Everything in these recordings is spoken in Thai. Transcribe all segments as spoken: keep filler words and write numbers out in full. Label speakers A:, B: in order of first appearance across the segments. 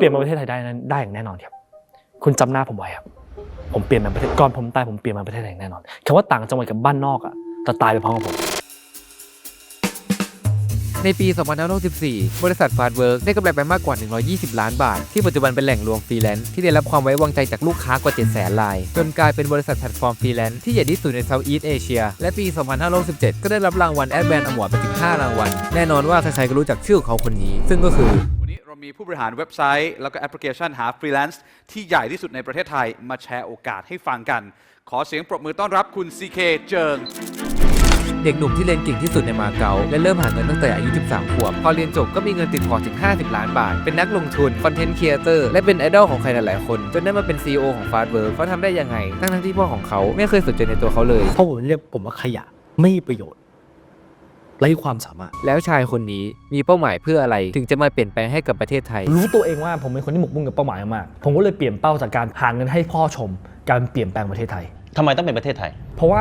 A: ลี่ยนมาประเทศไทยได้นั้นได้อย่างแน่นอนครับคุณจำหน้าผมไว้ครับผมเปลี่ยนมาประเทศก่อนผมตายผมเปลี่ยนมาประเทศไทยอย่างแน่นอนคำว่าต่างจังหวัดกับบ้านนอกอ่ะแต่ตายไปพร้อมกับผม
B: ในปี สองพันห้าร้อยหกสิบสี่ บริษัทฟาสต์เวิร์กได้กำไรไปมากกว่า หนึ่งร้อยยี่สิบ ล้านบาทที่ปัจจุบันเป็นแหล่งรวมฟรีแลนซ์ที่ได้รับความไว้วางใจจากลูกค้ากว่า เจ็ดแสน รายจนกลายเป็นบริษัทแพลตฟอร์มฟรีแลนซ์ที่ใหญ่ที่สุดในเซาท์อีสต์เอเชียและปี สองพันห้าร้อยหกสิบเจ็ด ก็ได้รับรางวัลแอดแบนด์อวอร์ดไปถึงห้ารางวัลแน่นอนว่าใครๆก็รู้จักชื่อของเขาคนนี้ซึ่งก็คือ
C: วันนี้เรามีผู้บริหารเว็บไซต์แล้วก็แอปพลิเคชันหาฟรีแลนซ์ที่ใหญ่ที่สุดในประเทศไทยมาแชร์โอกาสให้ฟังกันขอเสียงปรบมือต้อนรับคุณ ซี เค เจิง
B: เด็กหนุ่มที่เรียนเก่งที่สุดในมาเก๊าและเริ่มหาเงินตั้งแต่อายุ สิบสาม ขวบพอเรียนจบก็มีเงินติดพอร์ตถึงห้าสิบล้านบาทเป็นนักลงทุนคอนเทนต์ครีเอเตอร์และเป็นไอดอลของใครหลายๆคนจนได้มาเป็น ซี อี โอ ของฟาสต์เวิร์กเขาทำได้ยังไงทั้งๆที่พ่อของเขาไม่เคยสนใจในตัวเขาเลย
D: เพราะผมเรียกผมว่าขยะไม่มีประโยชน์ไร้ความสามารถ
B: แล้วชายคนนี้มีเป้าหมายเพื่ออะไรถึงจะมาเปลี่ยนแปลงให้กับประเทศไทย
A: รู้ตัวเองว่าผมเป็นคนที่หมกมุ่นกับเป้าหมายมากผมก็เลยเปลี่ยนเป้าจากการหาเงินให้พ่อชมการเปลี่ยนแปลงประเทศไทย
E: ทำไมต้องเป็นประเทศไทย
A: เพราะว่า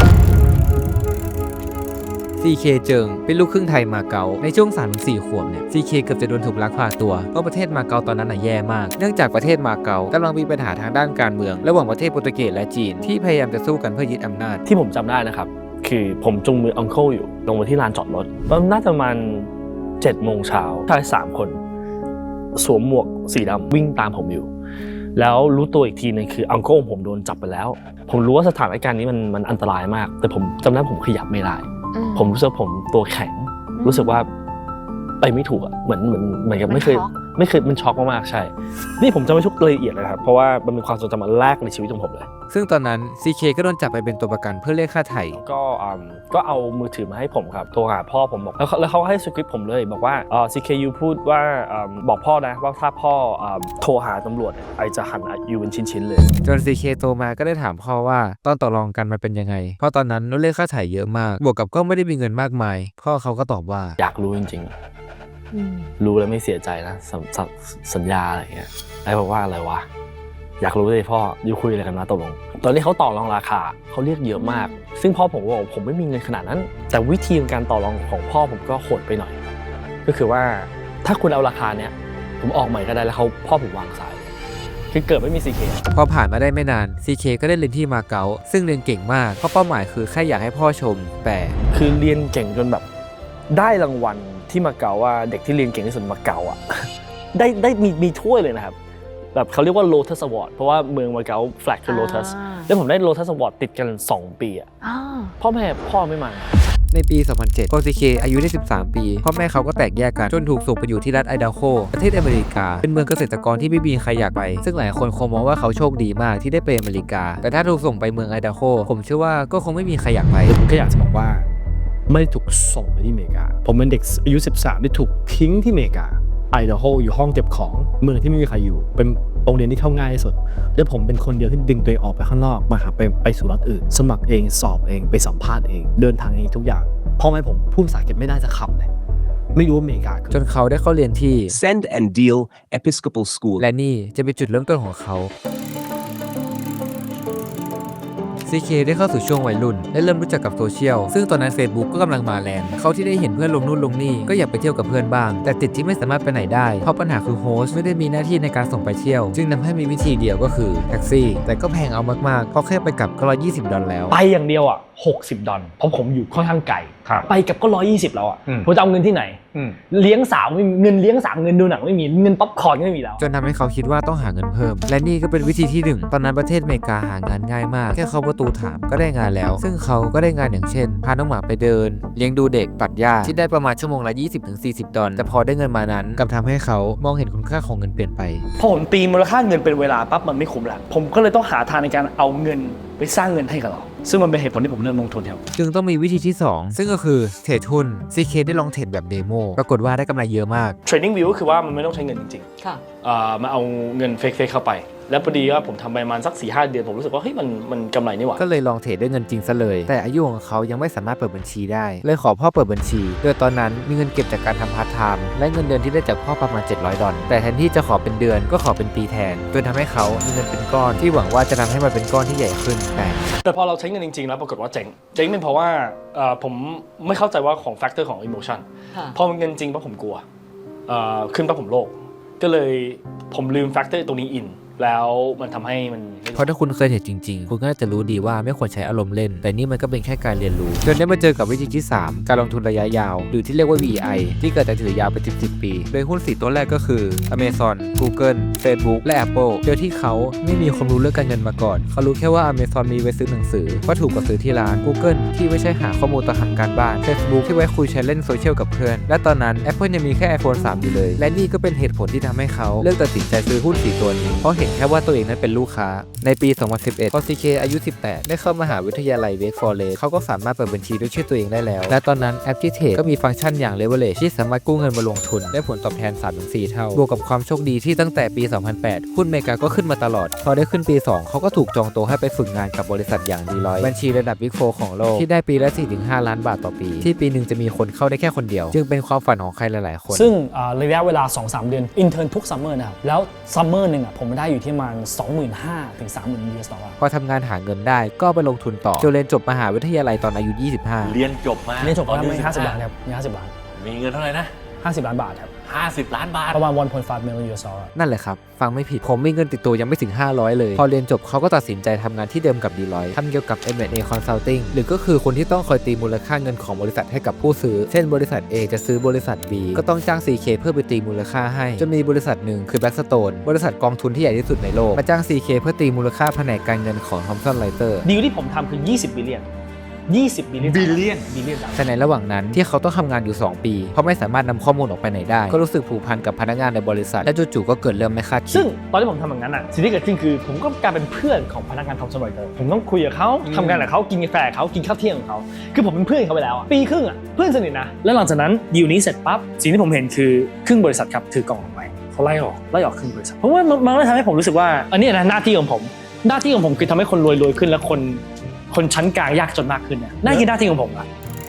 B: ซี เค เจิงเป็นลูกครึ่งไทยมาเก๊าในช่วง สามถึงสี่ ขวบเนี่ย ซี เค เกือบจะโดนถูกลักพาตัวเพราะประเทศมาเก๊าตอนนั้นน่ะแย่มากเนื่องจากประเทศมาเก๊ากำลังมีปัญหาทางด้านการเมืองระหว่างประเทศโปรตุเกสและจีนที่พยายามจะสู้กันเพื่อยึดอำนาจ
A: ที่ผมจำได้นะครับคือผมจูงมืออังเคิลอยู่ลงมาที่ลานจอดรถน่าจะประมาณเจ็ดโมงเช้าชายสามคนสวมหมวกสีดำวิ่งตามผมอยู่แล้วรู้ตัวอีกทีนึงคืออังเคิลผมโดนจับไปแล้วผมรู้ว่าสถานการณ์นี้มันมันอันตรายมากแต่ผมจำได้ผมขยับไม่ได้ผมรู้สึกผมตัวแข็งรู้สึกว่าไปไม่ถูกอ่ะเหมือนเหมือนเหมือนกับไม่เคยไม่เคยมันช็อกมากๆใช่นี่ผมจะไม่ทุกรายละเอียดเลยครับเพราะว่ามันเป็นความทรงจำอันแรกในชีวิตของผมเลย
B: ซึ่งตอนนั้น ซี เค ก็โดนจับไปเป็นตัวประกันเพื่อเรียกค่าไถ่
A: ก็ก็เอามือถือมาให้ผมครับโทรหาพ่อผมบอกแล้วแล้วเขาให้สคริปต์ผมเลยบอกว่าเอ่อ ซี เค ยูพูดว่าบอกพ่อนะว่าถ้าพ่อโทรหาตำรวจไอจะหั่นยูเป็นชิ้นๆเลย
B: จน ซี เค โตมาก็ได้ถามพ่อว่าตอนต่อรองกันมันเป็นยังไงเพราะตอนนั้นเราเรียกค่าไถ่เยอะมากบวกกับก็ไม่ได้มีเงินมากมายพ่อเขาก็ตอบว่า
A: อยากรู้จริงๆรู้แล้วไม่เสียใจนะสัญญาอะไรเงี้ยไอ้บอกว่าอะไรวะอยากรู้เลยพ่อยูคุยอะไรกันนะตกลงตอนนี้เขาต่อรองราคาเขาเรียกเยอะมากซึ่งพ่อผมบอกผมไม่มีเงินขนาดนั้นแต่วิธีการต่อรองของพ่อผมก็โหดไปหน่อยก็คือว่าถ้าคุณเอาราคาเนี้ยผมออกใหม่ก็ได้แล้วเขาพ่อผมวางสายคือเกิดไม่มี ซี เค
B: พอผ่านมาได้ไม่นาน ซี เค ก็ได้เรียนที่มาเก๊าซึ่งเรียนเก่งมากเพราะเป้าหมายคือแค่อยากให้พ่อชมแต่
A: คือเรียนเก่งจนแบบได้รางวัลที่มาเก๊าว่าเด็กที่เรียนเก่งที่สุดมาเก๊าอ่ะได้ได้มีมีถ้วยเลยนะครับแบบเขาเรียกว่า Lotus Award เพราะว่าเมืองมาเก๊าแฟลกคือ Lotus แล้วผมได้ Lotus Award ติดกันสองปีอ่ะพ่อแม่พ่อไม่มา
B: ในปี สองพันเจ็ด พอ ซี เค อายุได้สิบสามปีพ่อแม่เขาก็แตกแยกกันจนถูกส่งไปอยู่ที่รัฐไอดาโฮประเทศอเมริกาเป็นเมืองเกษตรกรที่ไม่มีใครอยากไปซึ่งหลายคนคงมองว่าเขาโชคดีมากที่ได้ไปอเมริกาแต่ถ้าถูกส่งไปเมืองไอดาโฮผมเชื่อว่าก็คงไม่มีใครอยากไป
D: ผมแค่อยากจะบอกว่าไม่ได้ถูกส่งไปที่อเมริกาผมเป็นเด็กอายุสิบสามที่ถูกทิ้งที่อเมริกาไอดาโฮอยู่ห้องเก็บของเมืองที่ไม่มีใครอยู่เป็นโรงเรียนที่เข้าง่ายที่สุดและผมเป็นคนเดียวที่ดึงตัวเองออกไปข้างนอกมาหาไปไปสู่รัฐอื่นสมัครเองสอบเองไปสัมภาษณ์เองเดินทางเองทุกอย่างพ่อแม่ผมพูดภาษาอังกฤษไม่ได้สักคำเลยไม่รู้อเมริกา
B: จนเขาได้เข้าเรียนที่
F: Send and Deal Episcopal School
B: และนี่จะเป็นจุดเริ่มต้นของเขาซี เค ได้เข้าสู่ช่วงวัยรุ่นและเริ่มรู้จักกับโซเชียลซึ่งตอนนั้น Facebook ก็กำลังมาแรงเขาที่ได้เห็นเพื่อนลงนู่นลงนี่ก็อยากไปเที่ยวกับเพื่อนบ้างแต่ติดที่ไม่สามารถไปไหนได้เพราะปัญหาคือโฮสต์ไม่ได้มีหน้าที่ในการส่งไปเที่ยวจึงทำให้มีวิธีเดียวก็คือแท็กซี่แต่ก็แพงเอามากๆเพราะแค่ไปกลับก็ร้อยยี่สิบดอลลาร์แล้ว
A: ไปอย่างเดียวอ่ะหกสิบดอลลาร์เพราะผมอยู่ค่อนข้างไกลไปกับก็ร้อยยี่สิบแล้วอ่ะผมจะเอาเงินที่ไหนเลี้ยงสาวไม่มีเงินเลี้ยงสาวเงินดูหนังไม่มีเงินป๊อปคอร์นก็ไม่มีแล้ว
B: จนทำให้เขาคิดว่าต้องหาเงินเพิ่มและนี่ก็เป็นวิธีที่หนึ่งตอนนั้นประเทศอเมริกาหางานง่ายมากแค่เข้าประตูถามก็ได้งานแล้วซึ่งเขาก็ได้งานอย่างเช่นพาน้องหมาไปเดินเลี้ยงดูเด็กตัดหญ้าที่ได้ประมาณชั่วโมงละ ยี่สิบถึงสี่สิบ ดอลลาร์แต่พอได้เงินมานั้นกลับทำให้เขามองเห็นคุณค่าของเงินเปลี่ยนไป
A: พอผมตีมูลค่าเงินเป็นเวลาปั๊บมันไม่คุ้มแล้วผมก็เลยต้องหาทางในการเอาเงินไปสร้างเงินให้กับเราซึ่งมันเป็นเหตุผลที่ผมเริ่มลงทุนครับ
B: จึงต้องมีวิธีที่สองซึ่งก็คือเทรดหุ้น ซี เค ได้ลองเทรดแบบเดโมปรากฏว่าได้กำไรเยอะมาก
A: Trading View ก็คือว่ามันไม่ต้องใช้เงินจริงๆค่ะมาเอาเงินเฟกๆเข้าไปแล้วพอดีว่าผมทำไปประมาณสัก สี่ห้า เดือนผมรู้สึกว่าเฮ้ยมันมันกำไรนี่หว่า
B: ก็เลยลองเทรดด้วยเงินจริงซะเลยแต่อายุของเขายังไม่สามารถเปิดบัญชีได้เลยขอพ่อเปิดบัญชีโดยตอนนั้นมีเงินเก็บจากการทำพาร์ทไทม์และเงินเดือนที่ได้จากพ่อประมาณเจ็ดร้อยดอลลาร์แต่แทนที่จะขอเป็นเดือนก็ขอเป็นปีแทนจนทำให้เขามีเงินเป็นก้อนที่หวังว่าจะทำให้มันเป็นก้อนที่ใหญ่ขึ้นแต่
A: แต่พอเราใช้เงินจริงๆแล้วปรากฏว่าเจ๊งเจ๊งเป็นเพราะว่าผมไม่เข้าใจว่าของแฟกเตอร์ของอิโมชันพอมันเงินจริงปั๊บผมกลัวขึ้นปั๊บผมโลภก็เลยผมลืมแฟกเตอร์ตรงนี้อินแล้วมันทำให้มัน
B: เพราะถ้าคุณเคยเห็นจริงๆคุณก็น่าจะรู้ดีว่าไม่ควรใช้อารมณ์เล่นแต่นี่มันก็เป็นแค่การเรียนรู้จนได้มาเจอกับวิธีที่สามการลงทุนระยะยาวหรือที่เรียกว่า วี ไอ ที่เกิดจากถือยาวเป็นสิบ สิบปีโดยหุ้นสี่ตัวแรกก็คือ Amazon Google Facebook และ Apple โดยที่เขาไม่มีความรู้เรื่องการเงินมาก่อนเขารู้แค่ว่า Amazon มีไว้ซื้อหนังสือว่าถูกกว่าซื้อที่ร้าน Google ที่ไว้ใช้หาข้อมูลต่อทำการบ้าน Facebook ที่ไว้คุยแชทเล่นโซเชียลกับเพื่อนและตอนนั้น Apple ยังมีแค่ iPhone สามอยู่เลยและนี่ก็เป็นเหตุผลที่ทำให้เขาเลือกตัดสินใจซื้อหุ้นสี่ตัวนี้เพราะเห็นแค่ว่าตัวเองนั้นเป็นลูกค้าในปี สองพันสิบเอ็ด พอ ซี เค อายุ สิบแปด ได้เข้ามหาวิทยาลัย Wake Forest เขาก็สามารถเปิดบัญชีด้วยชื่อตัวเองได้แล้วและตอนนั้นแอปที่เทรดก็มีฟังก์ชันอย่าง Leverage ที่สามารถกู้เงินมาลงทุนได้ผลตอบแทน สามถึงสี่ เท่าบวกกับความโชคดีที่ตั้งแต่ปี สองพันแปด หุ้นเมกาก็ขึ้นมาตลอดพอได้ขึ้นปี สองเขาก็ถูกจองตัวให้ไปฝึกงานกับบริษัทอย่าง Deloitte บัญชีระดับ Big โฟร์ ของโลกที่ได้ปีละ สี่ถึงห้า ล้านบาทต่อปีที่ปีนึงจะมีคนเข้าได้แค่คนเดียวจึงเป็นความฝันของใครหลายๆคน
E: ซึ่งระยะเวลา สองถึงสาม เดือนอินเทอร์นทุกซัมเมอร์นะครับแล้วซัมเมอร์นึงอ่ะผมได้อยู่ที่ประมาณ สองหมื่นห้าพัน ถึง สามหมื่น ยู เอส ดอลลาร์
B: พอทำงานหาเงินได้ก็ไปลงทุนต่อจนเรียนจบมหาวิทยาลัยตอนอายุ ยี่สิบห้า
G: เรียนจบมา
E: เรียนจบ
G: ตอน
E: แล้ว
G: อายุ
E: ไม่ห้าสิบล้านครับมีห้าสิบล้าน
G: มีเงินเท่าไหร่นะ
E: ห้าสิบล้านบาทครับ
G: ห้าสิบล้านบาท
E: ประมาณ หนึ่งจุดห้า มิลลิออน ยู เอส ดอลลาร์
B: นั่นแหละครับฟังไม่ผิดผมมีเงินติดตัวยังไม่ถึงห้าร้อยเลยพอเรียนจบเขาก็ตัดสินใจทำงานที่เดิมกับ Deloitte ทำเกี่ยวกับ เอ็ม แอนด์ เอ Consulting หรือก็คือคนที่ต้องคอยตีมูลค่าเงินของบริษัทให้กับผู้ซื้อเช่นบริษัท A จะซื้อบริษัท B ก็ต้องจ้าง ซี เค เพื่อไปตีมูลค่าให้จนมีบริษัทหนึ่งคือ Blackstone บริษัทกองทุนที่ใหญ่ที่สุดในโลกมาจ้าง ซี เค เพื่อตีมูลค่าแผนกการเงินของ Thomson Reuters
E: ดีลที่ผมทำคือยี่สิบบิลเลียนยี่สิบบิลเลียนบิลเลียนบิลเลียน
B: แต่ในระหว่างนั้นที่เขาต้องทำงานอยู่สองปีเพราะไม่สามารถนำข้อมูลออกไปไหนได้ก็รู้สึกผูกพันกับพนักงานในบริษัทและจู่ๆก็เกิดเรื่องไม่คาดคิด
E: ซึ่งตอนที่ผมทำอย่างนั้นอ่ะสิ่งที่เกิดขึ้นคือผมก็กลายเป็นเพื่อนของพนักงานทอมสัน รอยเตอร์ผมต้องคุยกับเขาทำงานกับเขากินกาแฟกับเขากินข้าวเที่ยงกับเขาคือผมเป็นเพื่อนเขาไปแล้วปีครึ่งอ่ะเพื่อนสนิทนะแล้วหลังจากนั้นดีลนี้เสร็จปั๊บสิ่งที่ผมเห็นคือครึ่งบริษัทครับถือกล่องออกไปเขาไล่ออกไล่ออกครึ่งบริษัทเพราะว่ามันก็ทำให้ผมรู้สึกว่าอันนี้นะหน้าที่ของผมหน้าที่ของผมคือทำให้คนรวยรวยขึ้นและคนคนชั้นกลางยากจนมากขึ้นเนี่ยนั่นคือหน้าที่ของผมอะ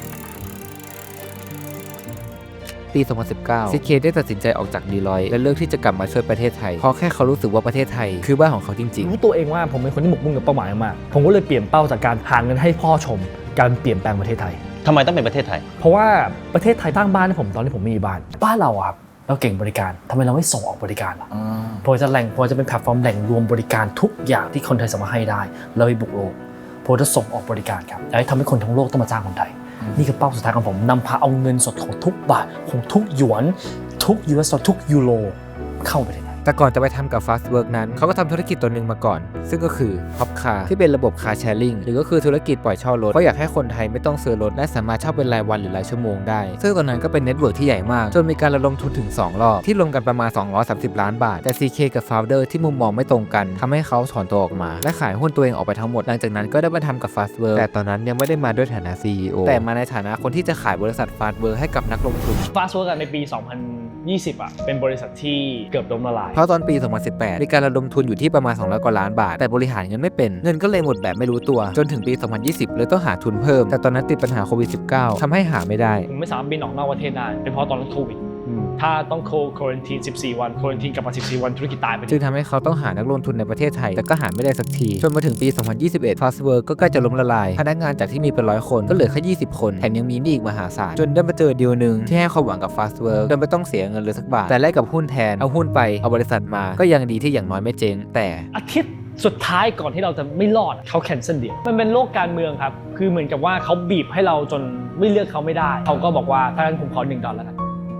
B: ปี สองพันสิบเก้า ซี เค ได้ตัดสินใจออกจาก Deloitte และเลือกที่จะกลับมาช่วยประเทศไทยเพราะแค่เขารู้สึกว่าประเทศไทยคือบ้านของเขาจริงๆ
E: รู้ตัวเองว่าผมเป็นคนที่หมกมุ่นกับเป้าหมายมากผมก็เลยเปลี่ยนเป้าจากการหาเงินให้พ่อชมการเปลี่ยนแปลงประเทศไทย
G: ทำไมต้องเป็นประเทศไทย
E: เพราะว่าประเทศไทยตั้งบ้านให้ผมตอนที่ผมไม่มีบ้านบ้านเราอะครับเราเก่งบริการทำไมเราไม่ส่งออกบริการล่ะพอจะแหล่งพอจะเป็นแพลตฟอร์มแหล่งรวมบริการทุกอย่างที่คนไทยสามารถให้ได้เราไปบุกโลกผมจะส่งออกบริการครับและทำให้คนทั้งโลกต้องมาจ้างคนไทยนี่คือเป้าสุดท้ายของผมนำพาเอาเงินสดของทุกบาทของทุกหยวนทุก ยู เอส ทุกยูโรเข้าไปใน
B: แต่ก่อนจะไปทำกับ Fastwork นั้นเขาก็ทำธุรกิจตัวหนึ่งมาก่อนซึ่งก็คือ Hopcar ที่เป็นระบบ Car Sharing หรือก็คือธุรกิจปล่อยเช่ารถเพราะอยากให้คนไทยไม่ต้องซื้อรถและสามารถเช่าเป็นรายวันหรือรายชั่วโมงได้ซึ่งตอนนั้นก็เป็นเน็ตเวิร์กที่ใหญ่มากจนมีการระดมทุนถึงสองรอบที่รวมกันประมาณสองร้อยสามสิบล้านบาทแต่ ซี เค กับ Founder ที่มุมมองไม่ตรงกันทำให้เขาถอนตัวออกมาและขายหุ้นตัวเองออกไปทั้งหมดหลังจากนั้นก็ได้มาทำกับ Fastwork แต่ตอนนั้นยังไม่ได้มาด้วยฐานะ ซี อี โอ แต่มาในฐานะคนที่จะขายบริษัท Fastwork ให้กับนักลงทุน
E: Fastwork ในปี สองพันยี่สิบ อ่ะเป็นบริษัทที่เกือบล้มละลาย
B: เพราะตอนปี สองพันสิบแปด มีการระดมทุนอยู่ที่ประมาณสองร้อยกว่าล้านบาทแต่บริหารเงินไม่เป็นเงินก็เลยหมดแบบไม่รู้ตัวจนถึงปี สองพันยี่สิบ เลยต้องหาทุนเพิ่มแต่ตอนนั้นติดปัญหาโควิด สิบเก้า ทำให้หาไม่ได้
E: ผมไม่สามารถบินออกนอกประเทศได้เป็นเพราะตอนนั้นโควิดถ้าต้องโคควอรันทีนสิบสี่วันควอรันทีนกลับมาสิบสี่วันธุรกิจตายไป
B: จึงทำให้เขาต้องหานักลงทุนในประเทศไทยแต่ก็หาไม่ได้สักทีจนมาถึงปี สองพันยี่สิบเอ็ด Fastwork ก็ใกล้จะล้มละลายพนักงานจากที่มีเป็นร้อยคนก็เหลือแค่ยี่สิบคนแถมยังมีหนี้อีกมหาศาลจนได้มาเจอดีลนึงที่ให้ความหวังกับ Fastwork โดยไม่ต้องเสียเงินเลยสักบาทแต่แลกกับหุ้นแทนเอาหุ้นไปเอาบริษัทมาก็ยังดีที่อย่างน้อยไม่เจ๊งแต่
E: อาทิตย์สุดท้ายก่อนที่เราจะไม่รอดเขาแคนเซิลเดียวมันเป็นโลกการเมืองครับคือเหมือนกับว่าเขาบีบให้เราจนไม่เลือกเขาไม่ได้เขาก็บอกว่าถ้างั้นผมขอหนึ่งดอลลาร์แล้วกัน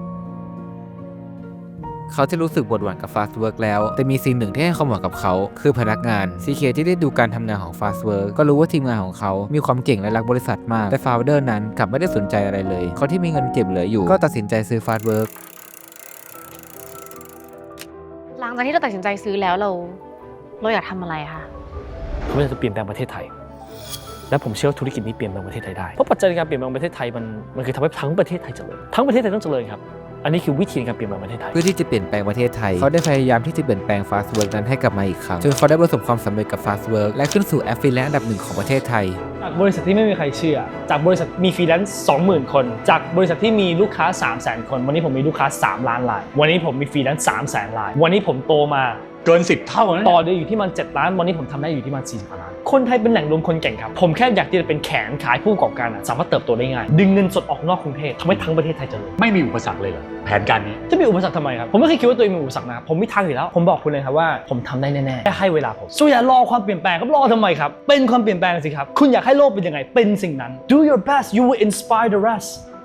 B: เขาจะรู้สึกปวดหวั่นกับ Fastwork แล้วแต่มีสิ่งหนึ่งที่ให้ความหวังกับเขาคือพนักงาน ซี เค ที่ได้ดูการทำงานของ Fastwork ก็รู้ว่าทีมงานของเขามีความเก่งและรักบริษัทมากแต่ Founder นั้นกลับไม่ได้สนใจอะไรเลยเขาที่มีเงินเก็บเหลืออยู่ก็ตัดสินใจซื้อ Fastwork
H: หลังจากที่เราตัดสินใจซื้อแล้วเราเราอยากทำอะไรคะ
E: ผมอยากจะเปลี่ยนแปลงประเทศไทยและผมเชื่อว่าธุรกิจนี้เปลี่ยนแปลงประเทศไทยได้เพราะปัจจัยในการเปลี่ยนแปลงประเทศไทยมันมันคือทำให้ทั้งประเทศไทยเจริญทั้งประเทศไทยต้องเจริญครับอันนี้คือวิธีการเปลี่ยนแปลงประเทศไทย
B: เพื่อที่จะเปลี่ยนแปลงประเทศไทยเขาได้พยายามที่จะเปลี่ยนแปลง Fastwork นั้นให้กลับมาอีกครั้งจนเขาได้ประสบความสำเร็จกับ Fastwork และขึ้นสู่แอปฟรีแลนซ์อันดับหนึ่งของประเทศไทย
E: จากบริษัทที่ไม่มีใครเชื่อจากบริษัทมีฟรีแลนซ์ สองหมื่น คนจากบริษัทที่มีลูกค้า สามแสน คนวันนี้ผมมีลูกค้าสามล้านรายวันนี้ผมมีฟรีแลนซ์ สามแสนรายวันนี้ผมโตมา
I: เกินสิบเท่านะ
E: ต่อเดือนอยู่ที่มันเจ็ดล้านวันนี้ผมทำได้อยู่ที่มันสี่สิบล้านคนไทยเป็นแหล่งรวมคนเก่งครับผมแค่อยากที่จะเป็นแขนขายผู้ประกอบการอะสามารถเติบโตได้ง่ายดึงเงินสดออกนอกกรุงเทพทำให้ทั้งประเทศไทยเจริญ
I: ไม่มีอุปสรรคเลยเหรอแผนการนี้
E: จะมีอุปสรรคทำไมครับผมไม่เคยคิดว่าตัวเองมีอุปสรรคนะครับผมมีทางอยู่แล้วผมบอกคุณเลยครับว่าผมทำได้แน่ๆแค่ให้เวลาผมส่วนอย่ารอความเปลี่ยนแปลงครับรอทำไมครับเป็นความเปลี่ยนแปลงสิครับคุณอยากให้โลกเป็นยังไงเป็นสิ่งนั้น do your best you will inspire the rest